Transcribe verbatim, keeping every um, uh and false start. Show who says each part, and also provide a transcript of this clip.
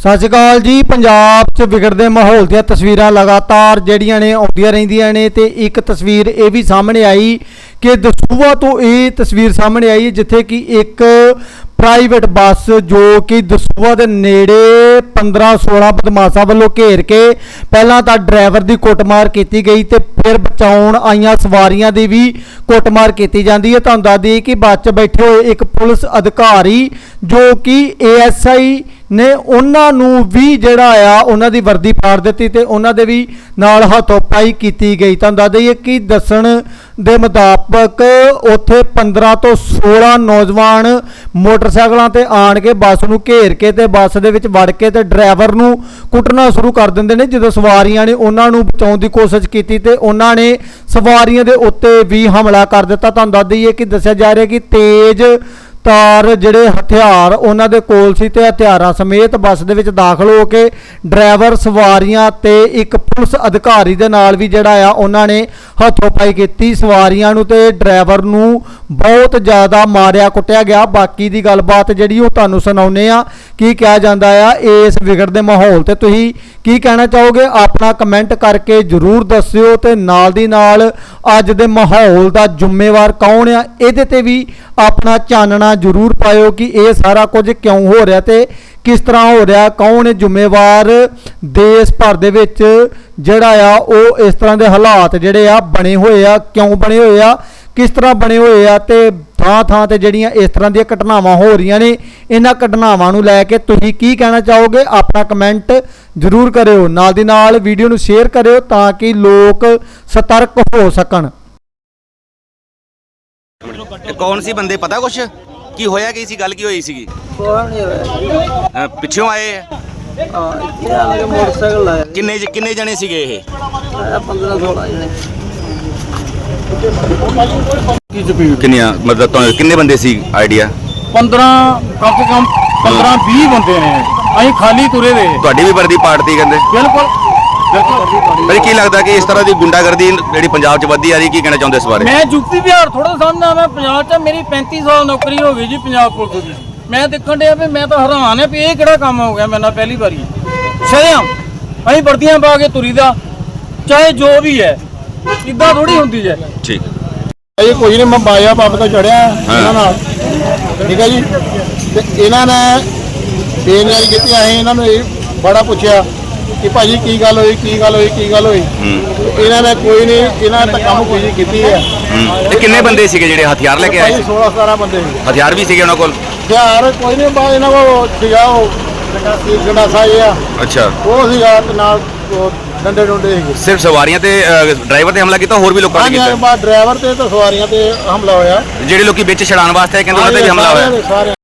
Speaker 1: सत श्री अकाल जी। पंजाब च विगड़ते माहौल दी तस्वीरां लगातार जड़ियां ने आउंदियां रहिंदियां ने ते एक तस्वीर ये भी सामने आई कि दसूहा तो ये तस्वीर सामने आई जिथे कि एक प्राइवेट बस जो कि दसूहा दे नेड़े पंद्रह सोलह बदमाशा वालों घेर के पहला तो ड्राइवर की कुटमार की गई तो फिर बचाउण आईयां सवारियां की भी कुटमार की जाती है। तुहानूं दस दईए कि बस च बैठे हुए एक पुलिस अधिकारी जो कि ए एस आई ने उन्होंने भी जिहड़ा आ उन्हां दी वर्दी फाड़ दी ते उन्हां दे भी नाल हथोपाई की गई। तुहानूं दस दईए कि दस्सण दे मुताबक उत्थे पंद्रह तो सोलह नौजवान मोटरसाइकिलों ते आण के बस नूं घेर के ते बस दे विच वड़ के ते ड्राइवर नूं कुटना शुरू कर दिंदे ने। जदों सवारियां ने उन्हां नूं बचाउण दी कोशिश कीती ते उन्हां ने सवारियां दे उत्ते भी हमला कर दिता। तुहानूं दस दईए कि दस्सिया जा रहा कि तेज तार जिहड़े हथियार उन्हां दे कोल सी ते हथियारां समेत बस दे विच दाखल हो के ड्राइवर सवारियां ते एक पुलिस अधिकारी दे नाल भी जिहड़ा आ उन्हां ने हथोपाई कीती। सवारियां नूं ते ड्राइवर नूं बहुत ज़्यादा मारिया कुटिया गया। बाकी दी गलबात जिहड़ी ओह तुहानूं सुणाउने आ की कहा जांदा आ इस विगड़दे माहौल ते तुसीं की कहना चाहोगे अपना कमेंट करके जरूर दस्सिओ ते नाल दी नाल अज दे माहौल दा जिम्मेवार कौन आ इहदे ते भी अपना चानना जरूर पाओ कि यह सारा कुछ क्यों हो रहा ते किस तरह हो रहा, कौन जिम्मेवार देश भर दे विच जिहड़ा आ ओह इस तरह के हालात जिहड़े आ बने हुए आ क्यों बने हुए आ किस तरह बने हुए आ ते थां थां ते जिहड़ियां इस तरह दी घटनावां हो रही ने इन्हां घटनावां नूं लैके तुसीं की कहना चाहोगे अपना कमेंट जरूर करिओ। नाल दी नाल वीडियो नूं शेयर करिओ ताकि लोग सतर्क हो सकन।
Speaker 2: कौन सी बंदे पता कुछ की होया की सी गल की होई सी पिछों आए
Speaker 3: मोटरसाइकिल
Speaker 2: किन्ने किन्ने जने सीगे ये
Speaker 3: पंद्रह सोलह जने
Speaker 2: किन्नियां मतलब तो किन्ने बंदे सी आइडिया
Speaker 4: पंद्रह कम से कम पंद्रह बीस बंदे ने अं खाली तुरे दे
Speaker 2: ਤੁਹਾਡੀ भी वर्दी पार्टी कहते
Speaker 4: बिल्कुल
Speaker 2: पर की लगता कि इस तरह की गुंडागर्दी जी पंजाब च वधी आ रही की कहना चाहते इस बारे
Speaker 4: मैं यूपी बिहार थोड़ा समझना मैं पंजाब च मेरी पैंती साल नौकरी हो गई जी पंजाब पुलिस की मैं देखण दिया भी मैं तो हैरान है भी ये किहड़ा काम हो गया मेरे नाल पहली बारी शरेआम अं वर्दियां पा के तुरी दा चाहे जो भी है इदा थोड़ी होंदी है।
Speaker 2: ठीक
Speaker 4: ये कोई नहीं मैं बाया पंप तो चढ़िया इन्हां ठीक है जी ते इन्हां ने बेनयारी की इन्होंने बड़ा पूछा कि भाजी की गल हुई की गल हुई की गल हुई इन्होंने कोई नहीं इन्होंने धक्का मुक्की की है।
Speaker 2: किन्ने बंदे सीगे जिहड़े हथियार लेके आए
Speaker 4: सोलह सतारह बंदे
Speaker 2: हथियार भी सीगे उन्हां कोल
Speaker 4: हथियार कोई नहीं बाहर इन्हों को सीगा गंडासा जिहा
Speaker 2: अच्छा
Speaker 4: वो सीगा ते नाल डंडे डुंडे
Speaker 2: सिर्फ सवारियां ते ड्राइवर ते हमला कीता होर भी लोकां ने कीता
Speaker 4: ड्राइवर ते ते सवारियां ते हमला होया
Speaker 2: ਜਿਹੜੇ ਲੋਕੀ ਵਿੱਚ ਛੜਾਣ ਵਾਸਤੇ ਕਹਿੰਦੇ ਉਹਨਾਂ ਤੇ ਵੀ ਹਮਲਾ ਹੋਇਆ।